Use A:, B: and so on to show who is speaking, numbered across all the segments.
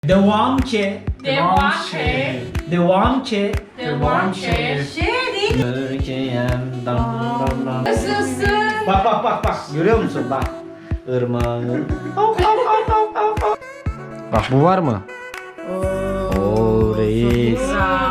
A: Devam ki.
B: Devam ki.
A: Devam ki.
B: Devam ki.
A: Türkiye'm dam dam dam.
B: Nasılsın?
A: Bak. Görüyor musun? Bak. Irmağın. Bak bu var mı? Oo reis.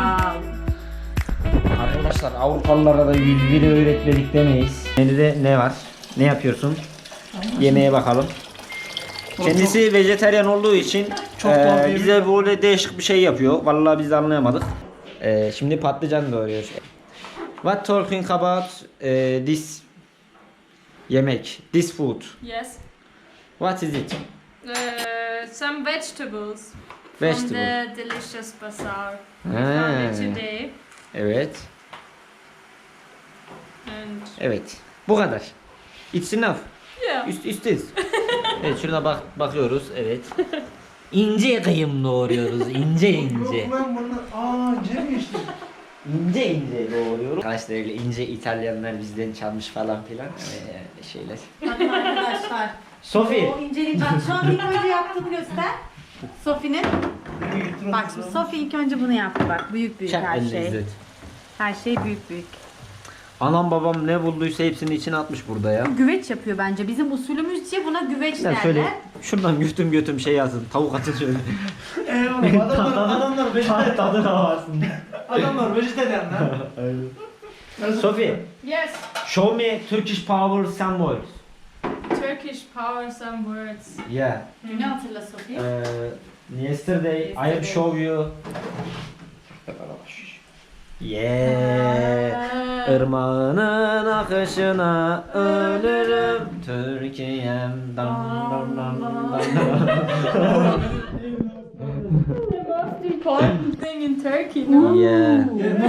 A: Arkadaşlar Avrupalılara da 101'i öğretmedik demeyiz. Menüde ne var? Ne yapıyorsun? Yemeğe bakalım. Kendisi vejetaryen olduğu için bize böyle değişik bir şey yapıyor. Vallahi biz de anlayamadık. Şimdi patlıcan doğruyoruz. What talking about this yemek? This food?
B: Yes.
A: What is it?
B: Some vegetables.
A: Vegetable.
B: From the delicious bazaar. We
A: Ha.
B: found it today.
A: Evet.
B: And
A: Evet. Bu kadar. It's enough.
B: yeah.
A: Üsttüz. Evet şuna bakıyoruz. Evet. İnce kıyım doğruyoruz. İnce.
C: Yok lan bunu. İnce mi işte?
A: İnce doğruyoruz. Arkadaşlar öyle ince İtalyanlar bizden çalmış falan filan. Şeyler.
D: Bakın arkadaşlar.
A: Sophie.
D: O incelik. Bak şu an ilk önce yaptığını göster. Sofi'nin. Bak şimdi Sofi ilk önce bunu yaptı bak. Büyük her şey. Her şey büyük.
A: Anam babam ne bulduysa hepsini içine atmış burada ya.
D: Güveç yapıyor bence. Bizim usulümüzce buna güveç
A: Ya
D: derler.
A: şöyle şuradan götüm şey yazın. Tavuk atın şöyle.
C: Oğlum adamlar vejetaryen.
A: Tadına varsın.
C: Adamlar vejetaryen lan.
A: Sophie,
B: Yes.
A: show me Turkish power some words.
B: Turkish power some words.
A: Yeah.
D: Ne hatırla Sofi?
A: Yesterday I have show you. Yeah. Irmağının akışına ölürüm Türkiye'm dam dam.
B: The most important thing in Turkey, no?
A: Yeah.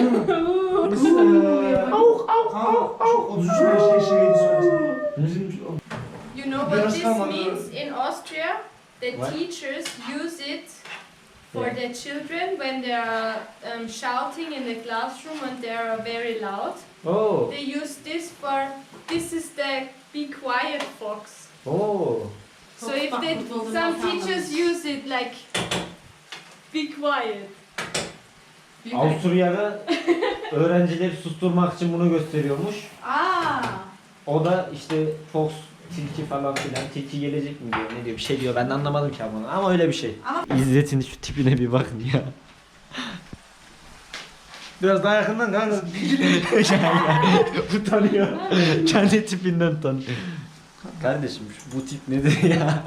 B: You know what this means in Austria? The teachers use it for
A: Yeah.
B: their children when they are shouting in the classroom and they are very loud.
A: Oh.
B: They use this is the be quiet fox.
A: Oh.
B: So if some teachers use it like be quiet.
A: Avusturya'da öğrencileri susturmak için bunu gösteriyormuş. O da işte Fox, tilki falan filan. Tilki gelecek mi diyor, ne diyor, bir şey diyor. Ben de anlamadım ki ama öyle bir şey.
D: Ama-
A: İzzet'in şu tipine bir bakın ya.
C: Biraz daha yakından kanka.
A: Utanıyor. Kendi tipinden utanıyor. Kardeşim bu tip nedir ya?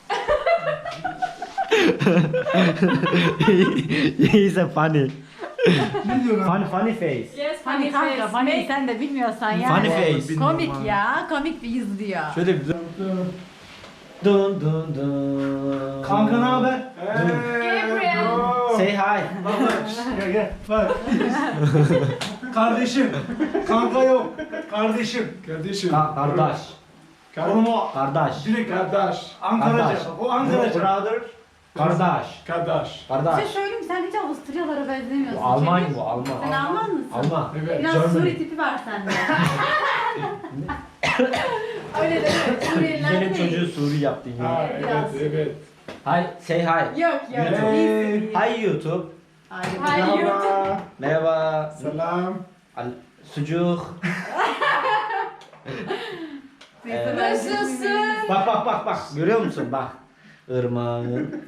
A: He's a funny.
C: Ne diyor lan?
A: Funny face.
B: Yes,
D: Hani kanka hani sen de bilmiyorsan yani.
A: Funny face.
D: Komik ya. Komik bir yüz diyor.
A: Şöyle bir dun dun dun.
C: Kanka ne haber?
B: Gabriel.
A: Say hi.
C: Gel. Bak. Kardeşim. Kanka yok. Kardeşim. Kardeşim.
A: Kardeş.
C: Oğlum o
A: Kardeş.
C: direkt kardeş. Ankara'ca. O Ankara'ca.
A: Brother. Kardeş.
C: Kardeş.
D: Bir şey
A: Kardeş.
D: söyleyeyim mi? Sen hiç Avusturyalara benzemiyorsun.
A: Bu Alman
D: Cemil.
A: bu Alman.
D: Sen Alman mısın?
A: Alman.
C: Evet.
D: Biraz
A: Germany.
D: Suri tipi var sende.
B: Öyle deme. Suriyeliler
A: Benim
B: değil.
A: çocuğu Suri yaptın ya.
C: Ha, evet.
A: Hi, say hi.
B: Yok.
C: Hey.
A: Hi YouTube.
D: Hayır.
B: Hi.
C: Merhaba.
A: Merhaba.
C: Selam.
A: Sucuk.
B: Nasılsın?
A: Bak. Görüyor musun? Bak. Irmağın.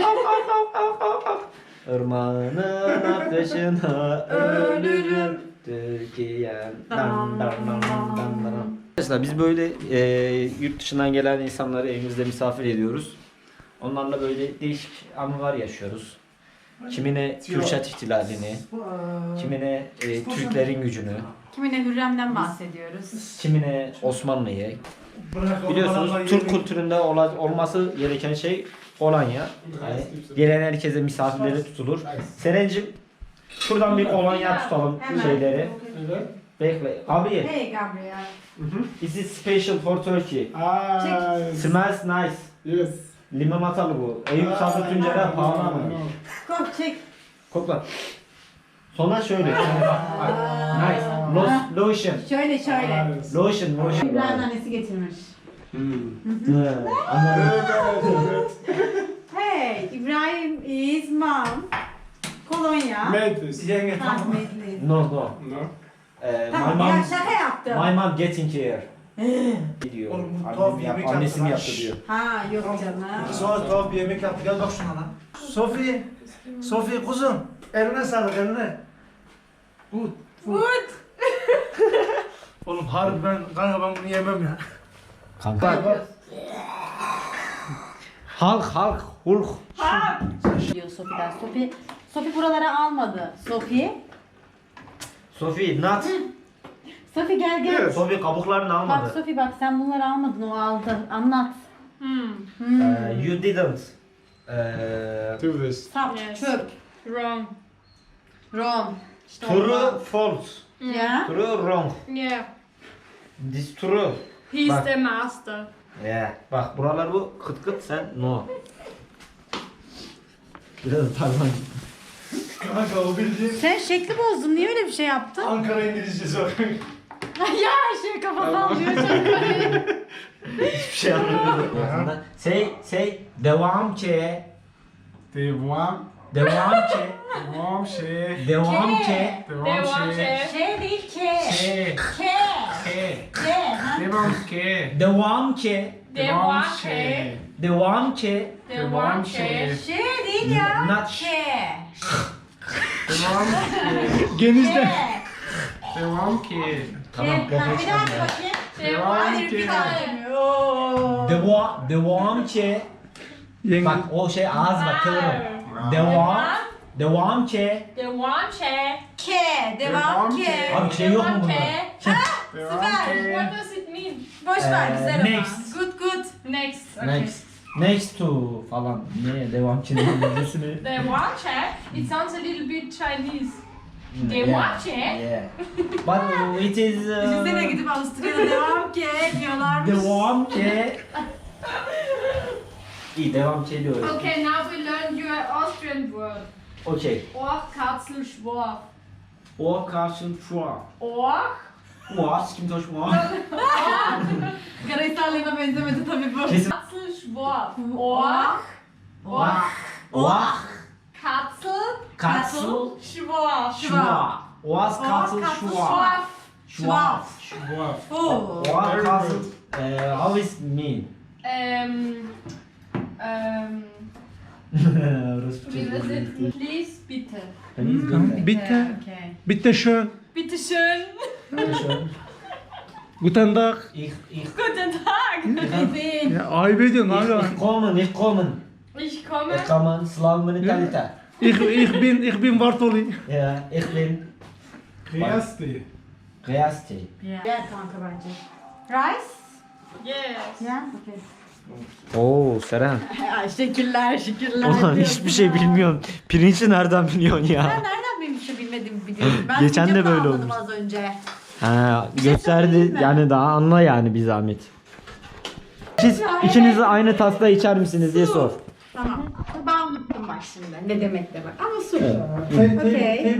A: Irmağının akışına ölürüm. Türkiye'm. Dam dam dam dam dam. Arkadaşlar biz böyle yurt dışından gelen insanları evimizde misafir ediyoruz. Onlarla böyle değişik anılar yaşıyoruz. Kimine Kürşat ihtilalini, kimine Türklerin gücünü,
D: Kimine Hürrem'den bahsediyoruz.
A: kimine Osmanlı'yı. Biliyorsunuz Türk kültüründe olması gereken şey kolonya. Yani gelen herkese misafirleri tutulur. Serencim şuradan bir kolonya tutalım
D: Hemen.
A: şeyleri.
C: Evet.
A: Bekle. Gabriel,
D: Hey Gabriel.
A: this is special for Turkey. Smells nice.
C: Yes.
A: Limonatalı bu. Eyüp Sabri Tuncer'e pahalı ama.
D: Kop çek.
A: Kokla. Sonra şöyle. Nice. Lotion.
D: Şöyle.
A: Lotion.
D: İbrahim annesi getirmiş.
A: Anladım.
C: Evet.
D: Hey. Okay, İbrahim is mom. Kolonya.
C: Made this. Yenge tamam.
D: Rahmetli.
A: No no.
C: No.
D: Tamam
A: my
D: ya
A: mom,
D: şaka yaptım.
A: my mom getting here. diyor.
C: Oğlum bu
A: Annem
C: tuhaf
A: yap-
C: yemek
A: annesinin
C: yaptı
A: yaptı
C: lan.
A: diyor.
D: Ha yok canım.
C: Sonra tuhaf bir yemek yaptı. Gel bak şuna lan. Sofi. Sofi kuzum. Eline sağlık eline. Good.
D: Good.
C: Oğlum harbi kanka ben bunu yemem ya.
A: Kanka. Halk hulk.
D: Diyor Sofi'den. Sofi buraları almadı.
A: Sophie not.
D: Sofi gel gel.
C: Evet.
A: Sophie kabuklarını
D: Bak
A: almadı.
D: Sofi bak sen bunları almadın o aldı. Anlat.
A: You didn't.
C: Do this.
D: Sap,
B: Yes.
D: çöp,
B: Wrong.
D: wrong. İşte
A: True, false.
D: Ya.
A: True, wrong.
B: Yeah.
A: This true.
B: He's
A: Bak.
B: the master.
A: Yeah. Bak buralar bu kıt kıt sen no. Biraz parmağın.
C: Kanka o bildiğin
D: Sen şekli bozdun. Niye öyle bir şey yaptın?
C: Ankara İngilizcesi var.
D: ya şey kafa sallıyor.
A: Hiçbir şey anlamadım. Say devam ki.
C: Devam.
A: Devam ki.
C: Devam şey.
A: Devam ki.
C: Devam şey.
D: Şey değil ke.
C: Şey.
D: Ke.
C: Ke.
D: Ke. ha?
C: Devam ke.
A: Devam ki.
B: Devam
C: şey.
B: ki.
A: Devam ki.
B: Devam ki.
D: Şey değil ya.
A: Not
D: Ke.
C: Devam Genizde.
D: Ke.
C: Devam ki.
A: Tamam,
D: Ke. Ha, bir daha
A: profesyonel.
D: bakayım.
B: Devam
D: Hayır bir daha
B: ki.
D: demiyor. Oo.
A: Devam ki.
C: Yenge.
A: Bak o şey ağız bak kıvırım. Devam ki.
B: Devam ki.
D: Ke. Devam ke.
A: Abi şey yok mu bunda?
C: Devam
B: What
C: ki.
B: does it mean?
D: Boş ver güzel ama.
A: Next.
D: Good good.
B: Next.
A: Next. Next to falan. Ne devam ki İngilizcesini.
B: Devam ki. It sounds a little bit Chinese.
A: Yeah.
B: Devam ki.
A: Yeah. But it is
D: Düşünsene gidip Avusturya'da devam ke diyorlarmış.
A: devam ki. İyi devam ki diyoruz.
B: Okay, now we learn your Austrian word.
A: Okay.
B: Orch, Katzel, Schworf.
A: O karşın şu an.
B: Orch.
A: Muaz kim taş muaz?
D: Karahisarlı'na benzemedi tabii bu.
A: Kesin.
B: Katzel, Schworf. Orch.
A: Vah. Vah.
B: Katzel,
A: Katzel.
B: Schworf.
A: Şua. Oaz katıl şua. Şua.
C: Şubat.
D: Oo.
A: Oaz katıl. How is mean? Rusça.
B: Wie ist it? Please, bitte.
C: Bitte.
D: Okay.
C: Bitte schön.
B: Bitte schön.
C: Guten Tag.
A: Ich
B: Guten Tag.
D: Bebeğim.
C: Ya ayıp ediyorsun hala.
A: ich kommen.
B: Ich komme.
A: Ich kommen. Slav mentalite.
C: Ich bin Bartoli.
A: Ja, ich bin
C: Kıyasti.
A: Kıyasti.
D: Gel kanka bence. Rice?
B: Yes.
D: Ya, okay.
A: Oo Seren.
D: Ay şekiller.
A: Ulan hiçbir şey bilmiyorum. Pirinci nereden biliyorsun
D: Ben
A: ya?
D: nereden benim hiçbir bilmediğimi biliyorum. Ben
A: Geçen de
D: videoda
A: böyle
D: anladım
A: olmuş.
D: az önce.
A: Ha,
D: şey
A: gösterdi
D: söyleyeyim mi?
A: yani daha anla yani bir zahmet. Siz
D: Ya,
A: ikiniz de
D: evet.
A: aynı tasla içer misiniz diye sor.
D: Tamam. Ben unuttum bak şimdi. Ne demek de bak. Ama su.
A: Evet.
D: Okay.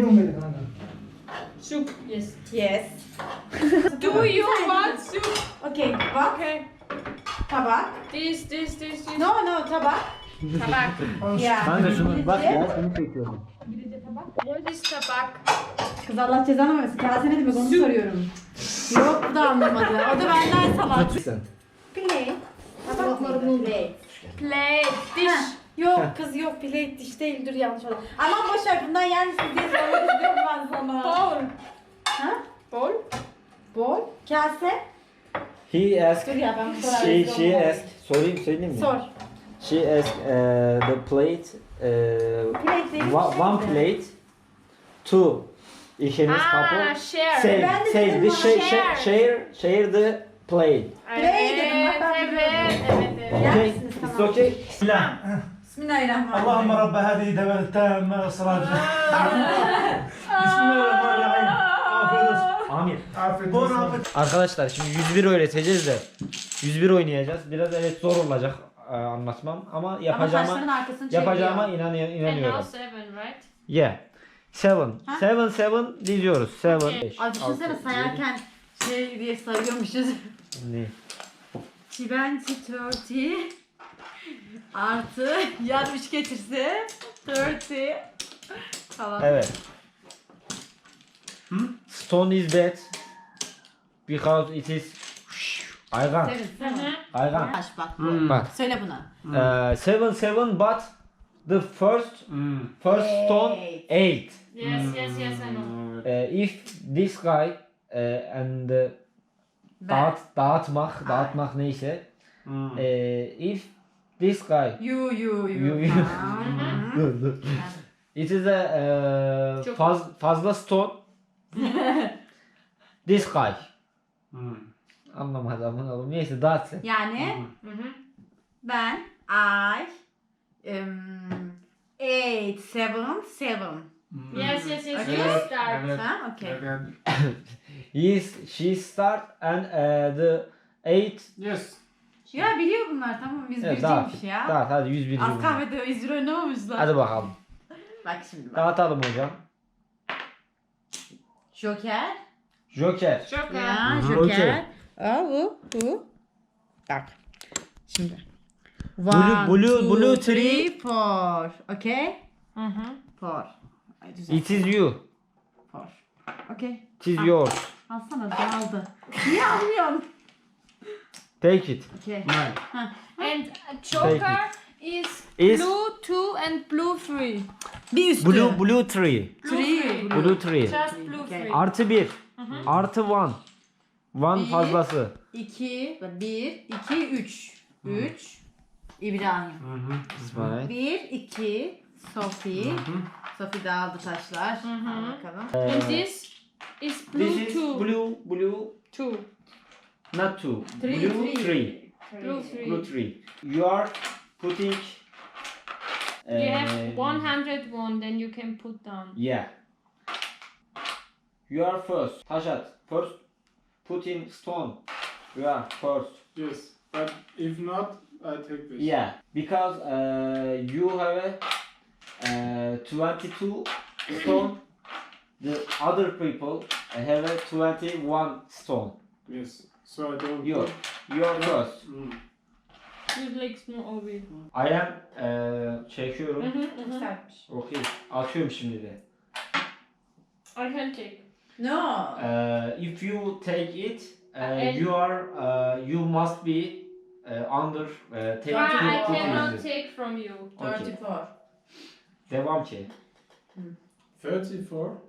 B: Soup. Yes.
D: Yes.
B: Do you want soup?
D: Okay. Bak.
B: Okay.
D: Tabak.
B: This.
D: No no tabak.
B: Tabak.
D: Ya.
A: Ben de şunu bak ya şunu çekiyorum.
B: What is tabak?
D: Kız Allah cezanı versin. Kase ne demek onu soruyorum. Yok bu da anlamadı. O da benden salak.
A: Sen.
D: Plate. Tabakları plate.
B: Plate. Dish.
D: Yok kız yok plate diş değil dur yanlış oldu. Aman boşver bundan yer misin diye sormak istiyorum ben sana.
B: Bowl.
D: Ha?
B: Bowl?
D: Bol. Kase.
A: He asked.
D: Dur ya ben bu soruyu
A: She asked. Söyleyeyim mi?
D: Sor.
A: She asked the plate.
D: Plate değil.
A: One plate. Two. İkiniz couple.
B: Ah, share.
A: Say,
D: Ben de
A: say
D: dedim
A: the
D: bana
A: share the plate.
D: Play dedim, bak ben
B: Evet.
D: Yer
A: Okay,
D: misiniz?
A: it's
D: Tamam.
A: okay. Bismillah.
D: Bismillahirrahmanirrahim.
C: اللهم رب هذه دولة التامة والصلاة. بسم الله الرحمن الرحيم. Afiyet olsun.
A: Amin.
C: Afiyet
A: Bon
C: olsun.
A: appetit. Arkadaşlar şimdi 101 öğreteceğiz de 101 oynayacağız. Biraz evet zor olacak anlatmam ama
D: Ama
A: yapacağıma
D: saçların arkasını çeviriyor.
A: yapacağıma
B: And now
A: inanıyorum.
B: 7, right?
A: Yeah. 7.
D: Ha?
A: 7 diyoruz. 7.
B: Okay.
D: Ay düşünsene sayarken şey diye sayıyormuşuz.
A: Ne?
D: 20, 30, Artı yan 3 geçirse 30. Tamam.
A: Evet. Stone is bad because it is Aygan.
D: Evet, tamam.
A: Aygan.
D: Taş bak bu.
A: Bak.
D: Söyle bunu.
A: 7 but the first stone 8.
B: Yes, yes, yes, I know.
A: If this guy and
D: Ben.
A: dağıtmak neyse. If this guy
D: You. Tamam.
A: it is a
B: Çok-
A: fazla stone. This guy. Anlamadım oğlum. Neyse dağıt sen.
D: Yani ben I 8 7 7.
B: Yes, yes, yes,
D: Okay.
B: you start.
D: Ha, okay.
A: She start and the 8.
C: Yes.
D: Ya biliyor bunlar, tamam, biz
A: Evet, dağıt.
D: biriciymiş ya.
A: Dağıt hadi 101.
D: Az kahvede 101 oynamamışlar.
A: Hadi bakalım.
D: Bak şimdi bak.
A: Dağıtalım hocam.
D: Joker.
A: Joker.
B: Joker.
D: Ya
A: Hı hı.
D: Joker.
A: Okey.
D: Bu. Bak. Şimdi.
A: Blue tree.
D: 4. Okay? 4.
A: It is you.
D: 4. Okay.
A: It is yours.
D: Alsana, dağıldı. Niye almıyorsun?
A: Take it.
D: Okay.
B: And Joker is
A: Is-
B: blue 2 and blue 3.
D: Bir üstü.
A: Blue tree.
D: Three.
A: Blue tree.
B: Just blue
D: Okay.
B: 3.
A: Artı 1. Artı 1. 1
D: Bir.
A: fazlası.
D: 2, 1, 2, 3. 3. İbrahim.
A: İsmail.
D: 1, 2, Sophie. Sophie dağıldı taşlar. Al bakalım.
B: And this is blue
A: This is
B: 2.
A: blue
B: 2.
A: not 2.
D: Three,
A: Blue
D: three.
A: 3.
B: Blue 3.
A: Blue 3. You are putting
B: You have 101, then you can put down.
A: yeah. You are first. Taşat. First putting stone. You are first.
E: Yes, but if not, I take this.
A: Yeah. Because you have a 22 stone. The other people have a 21 stone.
E: Yes, so I don't.
A: You. You are first.
B: You like small over.
A: I am çekiyorum.
D: Sertmiş.
A: Okey. Atıyorum şimdi de.
B: I can take.
D: No.
A: If you take it,
B: And-
A: you must be under take
B: I
A: two
B: cannot
A: pieces.
B: take from you.
A: Okay.
D: 34.
A: Devam ki.
E: 34.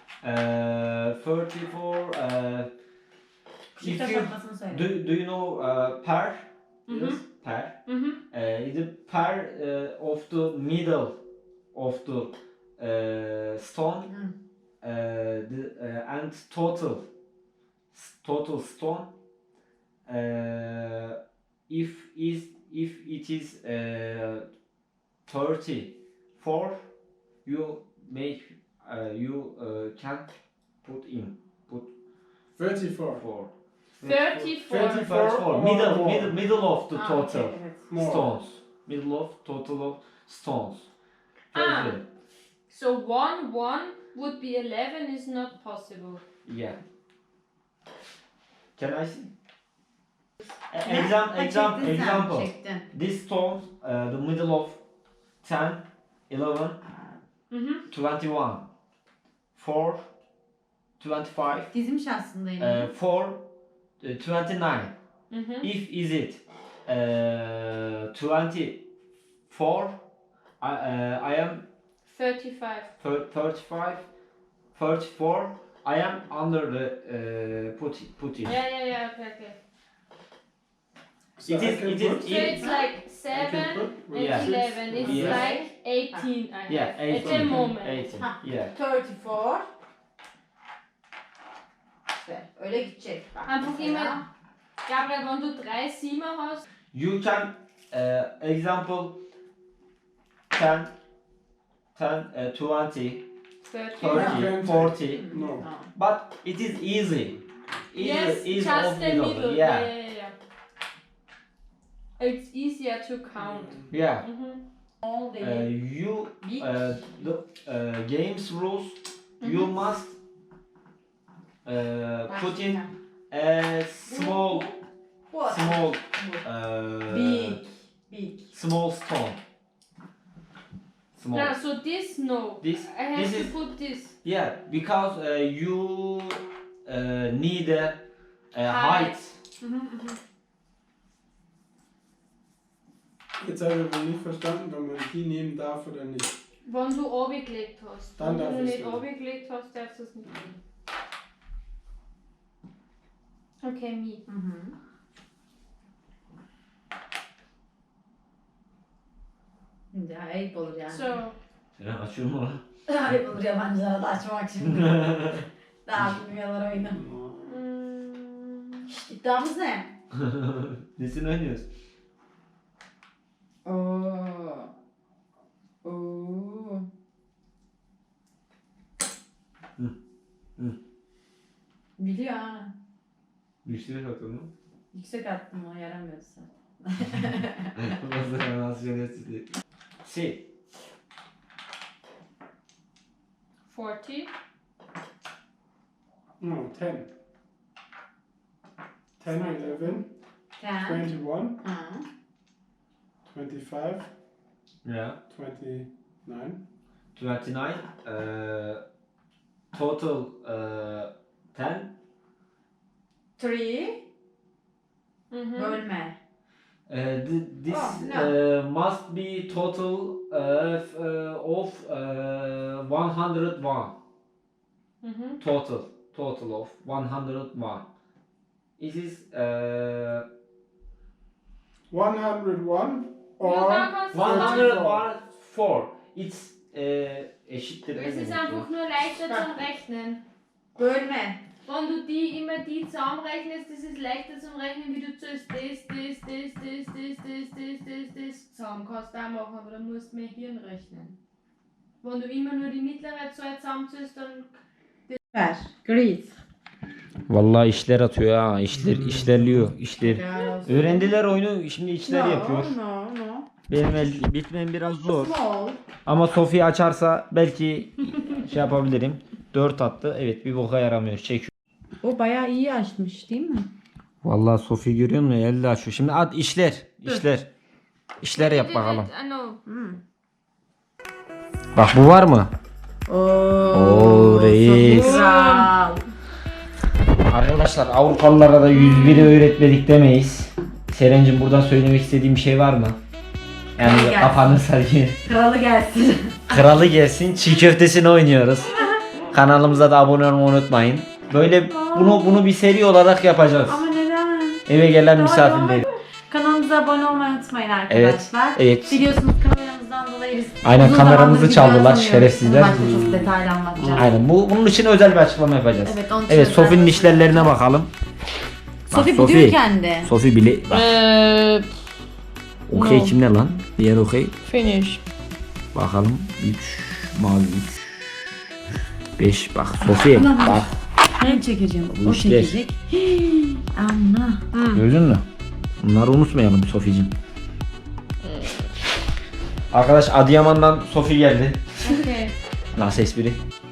A: 34. If
D: Çifte
A: you
D: satmasını söyle.
A: do you know pair?
E: Yes.
A: Pair.
B: Mm-hmm.
A: The pair of the middle of the stone. And total stone if it is 34 you make you can put
E: 34.
A: 4
B: 34.
A: 34 middle of the total
D: Okay, evet.
E: More.
A: stones middle of total of stones.
B: Ah.
A: 30.
B: So 1, 1 would be 11 is not possible.
A: Yeah. Can I see?
D: Ha, çektin sen,
A: Example.
D: çektin.
A: This stone, the middle of 10, 11,
B: Mm-hmm.
A: 21, 4, 25,
D: Dizmiş aslında yine.
A: 4, 29.
B: Mm-hmm.
A: If is it 24, I am
B: 35.
A: 35, 34. I am under the put it.
B: Yeah, okay.
E: So
A: It
E: I
A: is-
E: can
A: it is-
E: put-
B: So it's like 7
E: can put
B: and
E: with
A: Yeah.
B: 11. It's
A: Yes.
B: like 18 I have
A: Yeah,
B: at
A: 18.
B: the moment.
A: 18.
D: Ha.
A: Yeah.
D: 34. İşte öyle gidecek. Bak
B: Einfach
D: mesela.
B: immer, Gabriel, wenn du 3 Siemer hast,
A: You can example 10, 20,
B: 30.
A: 30, 40.
E: No.
D: Tamam.
A: But it is easy.
B: Yes,
A: Easy
B: just
A: of
B: the middle.
A: Yeah.
B: It's easier to count.
A: Yeah.
B: Mm-hmm.
D: Small değil.
A: You
D: Big.
A: the games rules. You must put in a small
D: Bu.
A: small
D: Big. Big.
A: Small stone. Small.
B: Yeah, so this no.
A: This
B: I have
A: this
B: to
A: is
B: put this.
A: yeah because you need a height.
E: Jetzt habe ich aber nicht verstanden, wenn man die nehmen darf oder nicht.
B: Wenn du runtergelegt hast.
E: Dann
B: Wenn
E: darf
B: du
E: ich's
B: nicht
E: nicht.
B: runtergelegt hast, darfst du es nicht nehmen. Okay, me.
D: Ya ayıp olur yani.
B: So,
A: Ya açıyor mu lan?
D: Ayıp olur yabancılara da açmak şimdi. Daha bilmiyorlar oyunu. Şşt, iddiamız ne?
A: Nesini oynuyoruz?
D: Oo. Oo. Biliyor ha.
A: Güçlü atıyor mu?
D: Yüksek attım o yaramıyorsa.
A: Nasıl yönetici? Si.
B: 40.
E: No, 10. 10, 11,
D: Ten.
E: 21,
D: Ha.
E: 25,
A: Yeah.
E: 29.
A: 29. Total 10.
D: Three.
B: Mhm.
D: Bölme.
A: This
B: Oh, no.
A: must be total of 101.
B: Mhm.
A: Total of 101. This is
E: 101
B: Ja,
E: or
B: da kannst du
A: 104. It's eşittir.
B: Es ist einfach nur leichter zum Rechnen.
D: Bölme.
B: Wenn du immer die zusammenrechnest, das ist leichter zum Rechnen, wie du zuerst das zusammen kannst du auch machen, aber dann musst du mehr Hirn rechnen. Wenn du immer nur die mittlere Zahl zusammenzählst, dann
D: Ver. Grease.
A: Vallahi işler atıyor ha. İşlerliyor. İşler.
D: Helal olsun.
A: Öğrendiler oyunu. Şimdi işler yapıyor.
D: No.
A: Benim bitmem biraz zor.
D: Small.
A: Ama Sofya açarsa belki şey yapabilirim. 4 attı. Evet, bir boka yaramıyor. Çekiyor.
D: O bayağı iyi açmış değil mi?
A: Vallahi Sofya görüyor musun? Elle açıyor. Şimdi at işler. İşler yap bakalım.
B: I know.
A: Bak bu var mı? Oo, reis.
D: Kral.
A: Arkadaşlar Avrupalılara da 101'i öğretmedik demeyiz. Serencim buradan söylemek istediğim bir şey var mı? Yani
D: Gelsin.
A: kafanı sarayım.
D: Kralı gelsin.
A: Kralı gelsin, çiğ köftesini oynuyoruz. Kanalımıza da abone olmayı unutmayın. Böyle bunu bir seri olarak yapacağız.
D: Ama neden?
A: Eve gelen misafirler.
D: Kanalımıza abone olmayı unutmayın arkadaşlar.
A: evet.
D: Biliyorsunuz kameramızdan dolayı biz
A: Aynen,
D: uzun
A: kameramızı
D: zamandır
A: çaldılar,
D: video atamıyoruz.
A: şerefsizler.
D: Bunu başka çok detaylı anlatacağım.
A: Aynen, bunun için özel bir açıklama yapacağız.
D: Evet, onun için
A: Evet,
D: özel
A: Sofi'nin
D: bir
A: işlerlerine bakalım.
D: Sofi
A: Bak,
D: biliyor kendi.
A: Sofi bile bak. Okey
B: no.
A: kimde lan? Diğer okey.
B: Finish.
A: Bakalım 3 mavi 3 5 bak Sofi bak.
D: Ben çekeceğim.
A: Bu
D: O
A: işler.
D: çekecek. Anla.
A: Gördün mü? Bunları unutmayalım Sofi'cim. Arkadaş Adıyaman'dan Sofi geldi.
B: Okay.
A: Nasıl espri?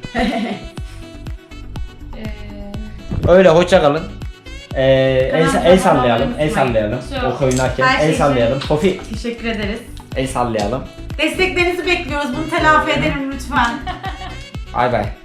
A: Öyle hoşça kalın. El sallayalım, el sallayalım. O oynarken
D: Her şey
A: el
D: için.
A: sallayalım. Sofi
D: Teşekkür ederiz.
A: el sallayalım.
D: Desteklerinizi bekliyoruz. Bunu telafi edelim lütfen.
A: Bay bay.